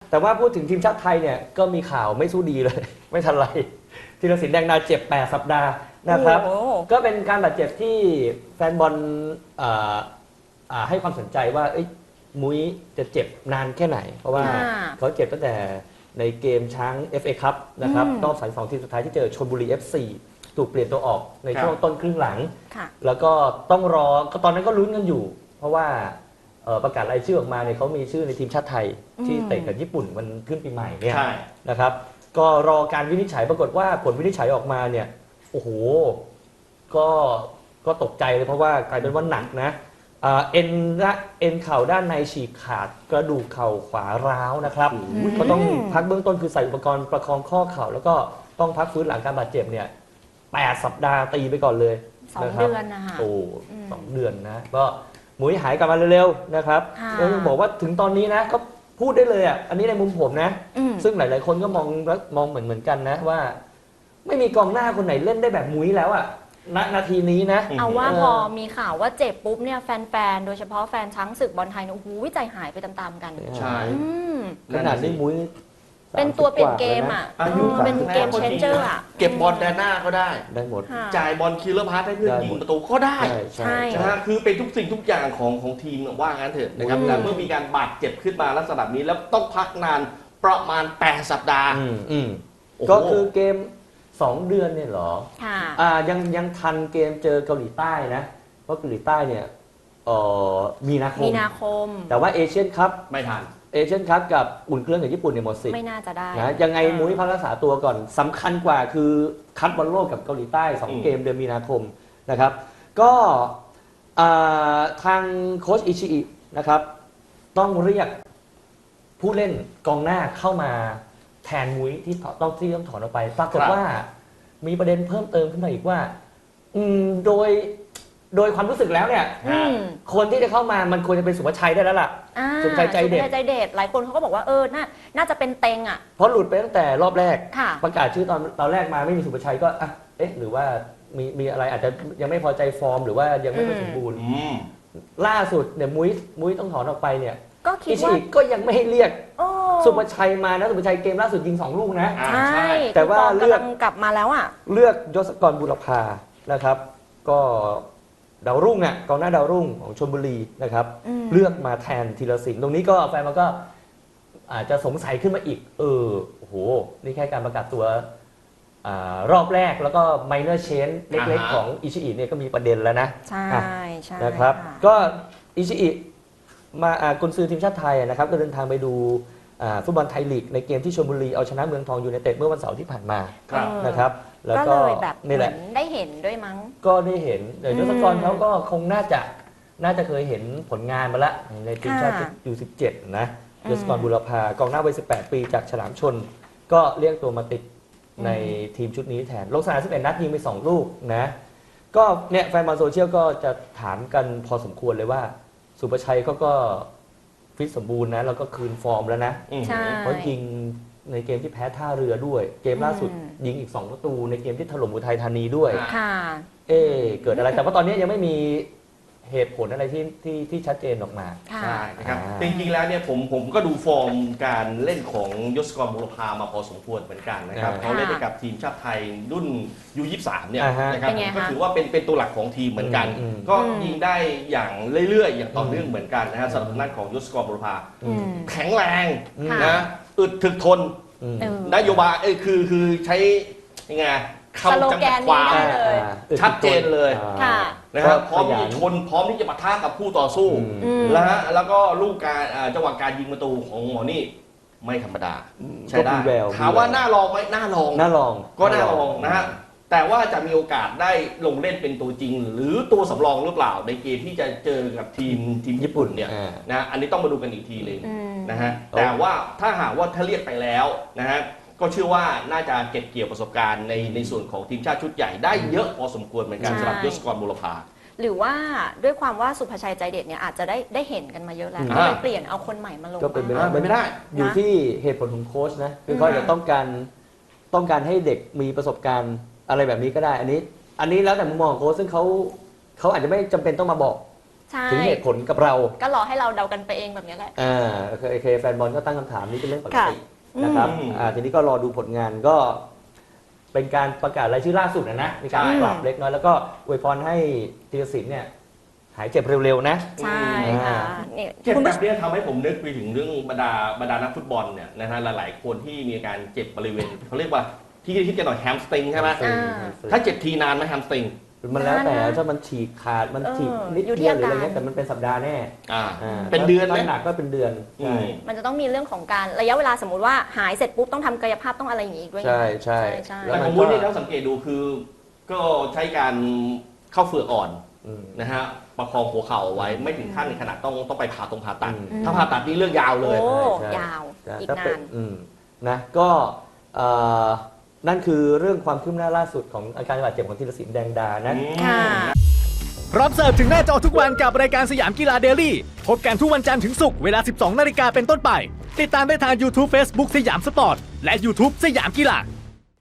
แต่ว่าพูดถึงทีมชาติไทยเนี่ยก็มีข่าวไม่สู้ดีเลย ไม่ทันไรธีรศิลป์แดงดาเจ็บ8 สัปดาห์นะครับก็เป็นการบาดเจ็บที่แฟนบอลให้ความสนใจว่ามุ้ยจะเจ็บนานแค่ไหนเพราะว่าเขาเจ็บตั้งแต่ในเกมช้าง FA คัพนะครับรอบ2 ทีมสุดท้ายที่เจอชลบุรี FC ถูกเปลี่ยนตัวออกในช่วงต้นครึ่งหลังแล้วก็ต้องรอก็ตอนนั้นก็ลุ้นกันอยู่เพราะว่าประกาศรายชื่อออกมาเนี่ยเขามีชื่อในทีมชาติไทยที่เตะกับญี่ปุ่นมันขึ้นปีใหม่เนี่ยนะครับก็รอการวินิจฉัยปรากฏว่าผลวินิจฉัยออกมาเนี่ยโอ้โหก็ตกใจเลยเพราะว่ากลายเป็นว่าหนักนะเอ็นเข่าด้านในฉีกขาดกระดูกเข่าขวาร้าวนะครับก็ต้องพักเบื้องต้นคือใส่อุปกรณ์ประคองข้อเข่าแล้วก็ต้องพักฟื้นหลังการบาดเจ็บเนี่ย8 สัปดาห์ตีไปก่อนเลย 2 เดือนนะคะโอ้2 เดือนนะก็หมุยหายกลับมาเร็วๆนะครับแล้วยังบอกว่าถึงตอนนี้นะก็พูดได้เลยอ่ะอันนี้ในมุมผมนะซึ่งหลายๆคนก็มองเหมือนกันนะว่าไม่มีกองหน้าคนไหนเล่นได้แบบมุ้ยแล้วอ่ะนาทีนี้นะเอาว่าพอมีข่าวว่าเจ็บปุ๊บเนี่ยแฟนๆโดยเฉพาะแฟนช้างศึกบอลไทยเนี่ยโอ้โหใจหายไปตามๆกันใช่ขนาดนี้มุ้ยเป็นตัวเปลี่ยนเกมอ่ะเป็นเกมเชนเจอร์อ่ะเก็บบอลแดนหน้าก็ได้หมดจ่ายบอลคิลเลอร์พาสให้เพื่อนยิงประตูก็ได้ใช่นะฮะคือเป็นทุกสิ่งทุกอย่างของทีมว่างั้นเถอะนะครับแต่เมื่อมีการบาดเจ็บขึ้นมาลักษณะนี้แล้วต้องพักนานประมาณ8 สัปดาห์ก็คือเกม2 เดือนเนี่ยเหรอยังทันเกมเจอเกาหลีใต้นะเพราะเกาหลีใต้เนี่ยมีนาคมแต่ว่าเอเชียนคัพไม่ทันเอเชียนคัพกับอุ่นเครื่องกับญี่ปุ่นเนี่ยหมดสิทธิ์ไม่น่าจะได้นะยังไงมุ้ยพักรักษาตัวก่อนสำคัญกว่าคือคัดบอลโลกกับเกาหลีใต้2 เกมเดือนมีนาคมนะครับก็ทางโค้ชอิชิอินะครับต้องเรียกผู้เล่นกองหน้าเข้ามาแทนมุ้ยที่ต้องถอนออกไปปรากฏว่ามีประเด็นเพิ่มเติมขึ้นมาอีกว่าโดยความรู้สึกแล้วเนี่ยคนที่จะเข้ามามันควรจะเป็นสุภชัยได้แล้วล่ะสุภชัยใจเด็ดหลายคนเขาก็บอกว่าน่าจะเป็นเต็งอ่ะเพราะหลุดไปตั้งแต่รอบแรกประกาศชื่อตอนแรกมาไม่มีสุภชัยก็หรือว่ามีอะไรอาจจะยังไม่พอใจฟอร์มหรือว่ายังไม่สมบูรณ์ล่าสุดเนี่ยมุ้ยต้องถอนออกไปเนี่ยก็คิดว่าก็ยังไม่ให้เรียกสุภชัยมานะสุภชัยเกมล่าสุดยิง2 ลูกนะใช่แต่ว่าเลือกกลับมาแล้วอ่ะเลือกยศกรบุรพานะครับก็ดาวรุ่งอ่ะกองหน้าดาวรุ่งของชลบุรีนะครับเลือกมาแทนธีรศิลป์ตรงนี้ก็แฟนมันก็อาจจะสงสัยขึ้นมาอีกโอ้โหนี่แค่การประกาศตัวรอบแรกแล้วก็ไมเนอร์เชนเล็กๆของอิชิอิเนี่ยก็มีประเด็นแล้วนะใช่นะครับก็อิชิอิมากุนซือทีมชาติไทยนะครับก็เดินทางไปดูฟุตบอลไทยลีกในเกมที่ชลบุรีเอาชนะเมืองทองยูไนเต็ดเมื่อวันเสาร์ที่ผ่านมานะครับแล้วก็เลยแบบนี่แหละได้เห็นด้วยมั้งก็ได้เห็นเดี๋ยวยศกรเขาก็คงน่าจะเคยเห็นผลงานมาละในทีมชาติU17นะยศกรบุรพากองหน้าวัย18 ปีจากฉลามชนก็เรียกตัวมาติดในทีมชุดนี้แทนลงสนาม11 นัดยิงไป2 ลูกนะก็เนี่ยแฟนบอลโซเชียลก็จะถามกันพอสมควรเลยว่าสุภชัยเขาก็ฟิตสมบูรณ์นะแล้วก็คืนฟอร์มแล้วนะเพราะยิงในเกมที่แพ้ท่าเรือด้วยเกมล่าสุดยิงอีก2 ประตูในเกมที่ถล่มอุทัยธานีด้วยเกิดอะไรแต่ว่าตอนนี้ยังไม่มีเหตุผลอะไรที่ชัดเจนออกมาใช่นะครับจริงๆแล้วเนี่ยผมก็ดูฟอร์มการเล่นของยศกรบุรพามาพอสมควรเหมือนกันนะครับเขาเล่นกับทีมชาติไทยรุ่นU23เนี่ยนะครับก็ถือว่าเป็นตัวหลักของทีมเหมือนกันก็ยิงได้อย่างเรื่อยๆอย่างต่อเนื่องเหมือนกันนะฮะสำหรับด้านของยศกรบุรพาแข็งแรงนะอึดถึกทนนโยบายคือใช้ยังไงคำจำกัดความชัดเจนเลยนะครับพร้อมที่ชนพร้อมที่จะปะทะกับผู้ต่อสู้แล้วก็ลูกการจังหวะการยิงประตูของหมอนี่ไม่ธรรมดาใช่ได้ถามว่าน่าลองไหมน่าลองก็น่าลองนะฮะแต่ว่าจะมีโอกาสได้ลงเล่นเป็นตัวจริงหรือตัวสำรองหรือเปล่าในเกมที่จะเจอกับทีมญี่ปุ่นเนี่ยนะอันนี้ต้องมาดูกันอีกทีนึงนะฮะแต่ว่าถ้าหากว่าถ้าเรียกไปแล้วนะฮะก็เชื่อว่าน่าจะเก็บเกี่ยวประสบการณ์ในส่วนของทีมชาติชุดใหญ่ได้เยอะพอสมควรเหมือนกันสำหรับยศกรบุรพาหรือว่าด้วยความว่าสุภชัยใจเด็ดเนี่ยอาจจะได้เห็นกันมาเยอะแล้วก็เลยเปลี่ยนเอาคนใหม่มาลงก็เป็นไม่ได้อยู่ที่เหตุผลของโค้ชนะคือเขาจะต้องการให้เด็กมีประสบการณ์อะไรแบบนี้ก็ได้อันนี้แล้วแต่มุมมองของโค้ชซึ่งเขาอาจจะไม่จำเป็นต้องมาบอกใช่ถึงเหตุผลกับเราก็รอให้เราเดากันไปเองแบบนี้แหละโอเคแฟนบอลก็ตั้งคำถามนี้เป็นเรื่องปกติค่ะนะครับอืมทีนี้ก็รอดูผลงานก็เป็นการประกาศรายชื่อล่าสุดนะมีการใช่ปรับเล็กน้อยแล้วก็อวยพรให้ธีรศิลป์เนี่ยหายเจ็บเร็วๆนะใช่ค่ะนี่เจ็บคุณแบผู้ชบมนี้ทำให้ผมนึกไปถึงเรื่องบรรดานักฟุตบอลเนี่ยนะฮะหลายๆคนที่มีอาการเจ็บบริเวณเขาเรียกว่าที่คิดกันหน่อยแฮมสตริงใช่ไหมอ่าถ้าเจ็บทีนานไหมแฮมสตริงมันแล้วแต่นานนะถ้ามันฉีกขาดมันฉีกนิดอยู่ที่เดียวหรืออะไรอาการเงี้ยแต่มันเป็นสัปดาห์แน่เป็นเดือนไหมถ้าหนักก็เป็นเดือนใช่มันจะต้องมีเรื่องของการระยะเวลาสมมติว่าหายเสร็จปุ๊บต้องทำกายภาพต้องอะไรอย่างงี้อีกด้วยไงใช่ใช่ใช่แล้วแต่มัขนองมุ้ยเนี่ยเราสังเกตดูคือ ก็ใช้การเข้าเฟือกอ่อนอืมนะฮะประคองหัวเข่าเอาไว้ไม่ถึงขั้นในขนาดต้องไปผ่าผ่าตัดอืมถ้าผ่าตัดนี่เรื่องยาวเลยโอ้ใช่ยาวใช่อีกถ้นาเป็น นะก็นั่นคือเรื่องความคืบหน้าล่าสุดของอาการบาดเจ็บของธีรศิลป์แดงดานะค่ะพร้อมเสิร์ฟถึงหน้าจอทุกวันกับรายการสยามกีฬาเดลี่พบกันทุกวันจันทร์ถึงศุกร์เวลา 12 นาฬิกาเป็นต้นไป ติดตามได้ทาง YouTube Facebook สยามสปอร์ต และ YouTube สยามกีฬา